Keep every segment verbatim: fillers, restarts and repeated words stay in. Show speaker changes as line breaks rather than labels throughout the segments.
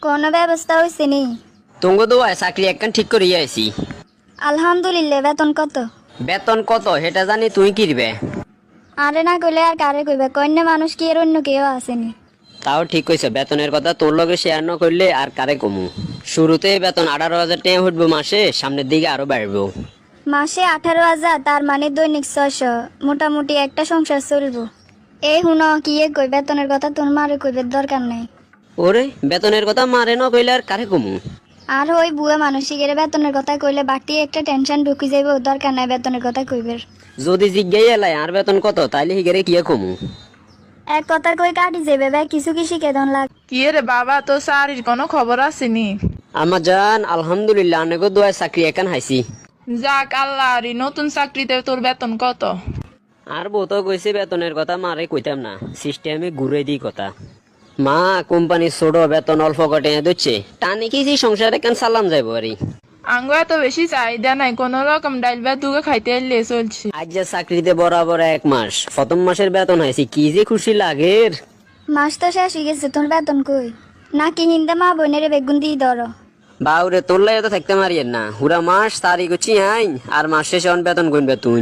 কোনো ব্যবস্থা হয়েছে নি?
তুঙ্গ দোয়ায় চাকরি একখান ঠিক করিয়া আইছি।
আলহামদুলিল্লাহ। বেতন কত?
বেতন কত সেটা জানি তুই কিরবে?
আরে না কইলে আর কারে কইবে? কন্যা মানুষ কি এর অন্য কেউ আসেনি?
তাও ঠিক কইছে, বেতনের কথা তোর লগে শেয়ার না করলে আর কারে কমু। শুরুতে বেতন আঠারো হাজার টাকা উঠবো মাসে, সামনের দিকে আরো বাড়বো।
মাসে আঠারো হাজার, তার মানে দৈনিক ছয়শো। মোটামুটি একটা সংসার চলবো। এই হুন কি এ কই, বেতনের কথা তোর মারে কইবে দরকার নাই।
ওরে বেতনের কথা মারে না কইলে আর কারে কমু?
আর ওই বুয়া মানসিকের বেতনের কথা কইলে বাড়তি একটা টেনশন ঢুকি যাইব, দরকার নাই বেতনের কথা কইবের।
যদি জিজ্ঞাই এলাই আর বেতন কত, তাইলে হিগেরে কি কমু?
এক কথার কই কাটি যাবে ভাই, কিছু কি শিখে দন লাগ।
কি রে বাবা, তো চাকরির কোনো খবর আসেনি?
আমার জান আলহামদুলিল্লাহ, অনেক দোয়ায় চাকরি একান হাইছি।
যাক আল্লাহ, রে নতুন চাকরিতে তোর বেতন কত?
আর বউ তো কইছে বেতনের কথা মারে কইতাম না, সিস্টেমে ঘুরে দিই কথা। মা কোম্পানি ছোট, বেতন অল্প কটে দিচ্ছে, টানি কি যে সংসারে কেন সালাম যাইব আরি।
আঙ্গ এত বেশি চাহিদা নাই, কোন রকম ডাইল ভাত দুগে খাইতে এলে চলছে।
আজ যে চাকরিতে বরাবর এক মাস, প্রথম মাসের বেতন হাইছি, কি যে খুশি লাগের।
মাস তো শেষ হয়ে গেছে, তোর বেতন কই? নাকি হিন্দা মা বোনের বেগুন দিয়ে ধরো?
বাউরে তোরলাই তো থাকতে মারিয়েন না, হুরা মাস তারিখ হচ্ছি আইন, আর মাস শেষে অন বেতন গুনবে তুই।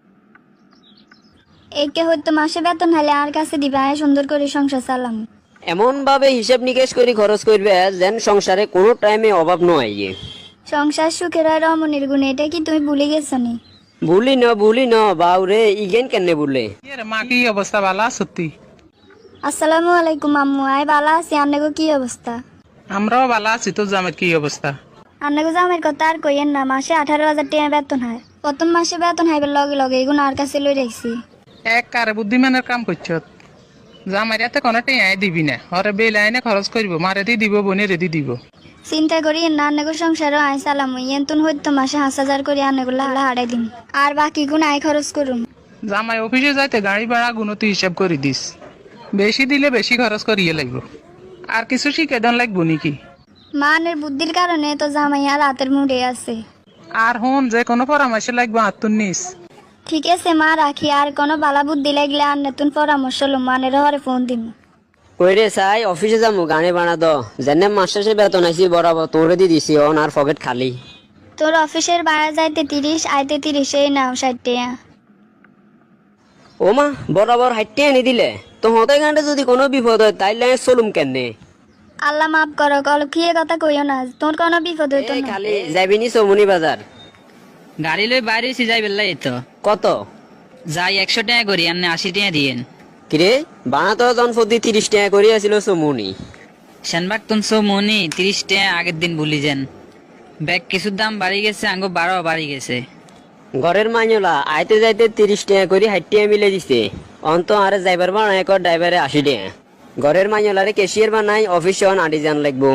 একে হয়তো মাসে বেতন হলে আর কাছে দিবে, আয় সুন্দর করে সংসার চালাম।
এমন ভাবে হিসাব নিকেশ করে খরচ করবে যেন সংসারে কোনো টাইমে অভাব নয়।
সংসার সুখের আর রমণীর গুণ, এটা কি তুমি ভুলে গেছো নি?
ভুলি ন ভুলি ন বাউরে, ইগেন কেনে বললে?
মা কি অবস্থা, ভালো সত্যি?
আসসালামু আলাইকুম আম্মু। আয় বালা আছি, আন্নাগো কি অবস্থা?
আমরাও ভালো আছি। তোর জামের কি অবস্থা?
আন্নাগো জামের কথা আর কইয়েন না, মাসে আঠারো হাজার টাকা বেতন হয়। প্রথম মাসে বেতন হাইবার লগে লগে এগুলো আর কাছে লই রাখছি।
এক কারে বুদ্ধিমানের কাম করছ। জামাই এতে কোনো টেঁয়াই দিবি না, হরে বেল আইনে খরচ করবো, মারে দি দিব, বোনে রেদি দিব।
চিন্তা করি না, আন্নাগো সংসারও আয় চালাম। ইয়েন হইতো মাসে হাঁস হাজার করে আন্নাগো লালা হারাই দিন, আর বাকি গুণ আয় খরচ করুন।
জামাই অফিসে যাইতে গাড়ি ভাড়া গুণতি হিসাব করে দিস, বেশি দিলে বেশি খরচ করিয়ে লাগবো। আর কিছু শিখে দেন লাগবো নাকি?
মানের বুদ্ধির কারণে তো জামাই আর রাতের মুডে আছে।
আর হন যে কোনো পরামর্শ লাগবে আত্মন নিস।
ঠিক আছে মা, রাখি। আর কোনো বালা বুদ্ধি লাগলে আর নতুন পরামর্শ লো, মানের হরে ফোন দিন।
কইরে চাই অফিসে যামু, গানে বানা দ যেন মাস শেষে বেতন আইছি বরাবর তোরে দি দিছি, অন আর পকেট খালি।
তোর অফিসের ভাড়া যাইতে তিরিশ, আইতে তিরিশ, এই নাও ষাট টাকা।
ও মা, বরাবর হাইটে এনে দিলে তো হতে গানটা যদি কোনো বিপদ হয় তাইলে চলুম কেনে?
আল্লাহ মাফ করো, কল কি কথা কইও না, তোর কোনো বিপদ হইতো
এই
না।
খালি যাবিনি চৌমনি বাজার?
গাড়ি লই বাইরে এসে যাই বেল্লাই তো
কত?
যাই একশো টাকা করি, আপনি আশি টাকা দিয়েন।
কিরে বানা তো জন প্রতি তিরিশ টাকা করে আছিল চৌমনি।
সেনবাগ তুনশো মনি তিরিশ টাকা আগের দিন ভুলি যান। ব্যাগ কিছুর দাম বাড়ি গেছে, আঙ্গো বারো বাড়ি গেছে।
ঘরের মাইনলা আইতে যাইতে তিরিশ টাকা করে ষাট টাকা মিলে দিছে, অন্ত আরে যাইবার বানায় এক ড্রাইভারে আশি টাকা। ঘরের মাইনলারে ক্যাশিয়ার বানাই, অফিসে অন আটি যান লাগবো।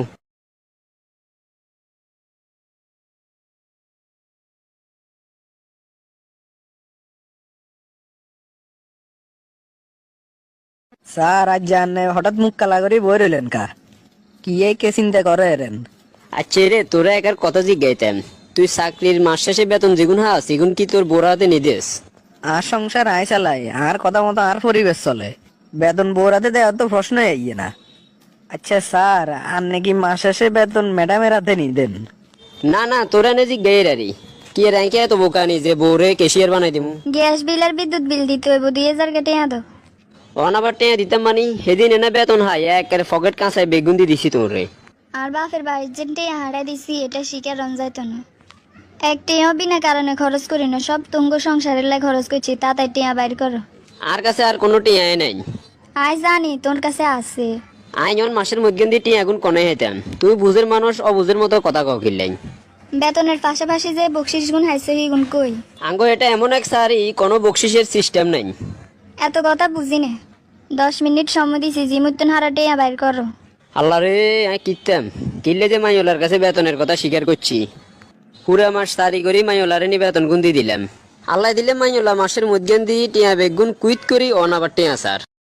স্যার আজ জানে হঠাৎ মুখ কালা করে বই রইলেন কা? কি এই কে চিন্তা করে এরেন?
আচ্ছা রে, তোরা একার কথা জিজ্ঞাইতাম, তুই চাকরির মাস শেষে বেতন যেগুন হা সেগুন কি তোর বোরাতে নিদেস?
আর সংসার আয় চালাই, আর কথা মতো আর পরিবেশ চলে, বেতন বৌরাতে দেওয়ার তো প্রশ্ন আইয়ে না। আচ্ছা স্যার, আর নাকি মাস শেষে বেতন ম্যাডামের হাতে নি দেন?
না না, তোরা নে জিজ্ঞাই রারি কি র্যাঙ্কে এত বোকানি যে বউরে ক্যাশিয়ার বানাই দিমু।
গ্যাস বিল আর বিদ্যুৎ বিল দিতে হইব, দুই হাজার কেটে দো।
অন আবার টেয়া দিতাম মানি, সেদিন এনে বেতন হাই একের পকেট কাঁচায় বেগুন দি দিছি তোরে।
আর বাপের বাড়ির যে হারাই দিছি, এটা শিকার রন যাইতো না। এক টেয়াও বিনা কারণে খরচ করি না, সব তুঙ্গ সংসারের লাই খরচ করছি, তাতাই টেয়া বাইর করো।
আর কাছে আর কোনো টিয়াই নাই।
আয় জানি তোর কাছে আছে।
আইন অন মাসের মধ্যে দিয়ে টিয়া এখন কনে হেতাম, তুই বুঝের মানুষ অবুঝের মতো কথা কও কিনলাই।
বেতনের পাশাপাশি যে বকশিস গুণ হাইছে কি গুণ কই?
আঙ্গো এটা এমন এক সারি, কোনো বকশিসের সিস্টেম নাই।
এত কথা বুঝি না, দশ মিনিট সময় দিছি, জিমুত্তন হারা টেয়া বাইর করো।
আল্লাহ রে, আমি কিনতাম কিনলে যে মাইওলার কাছে বেতনের কথা স্বীকার করছি। পুরা মাস তারি করি মাইওলারে নি বেতন গুন দিয়ে দিলাম। আল্লাহ দিলে মাইওলা মাসের মধ্যে দিয়ে টিয়া বেগুন কুইট করি অন আবার টিয়া সার।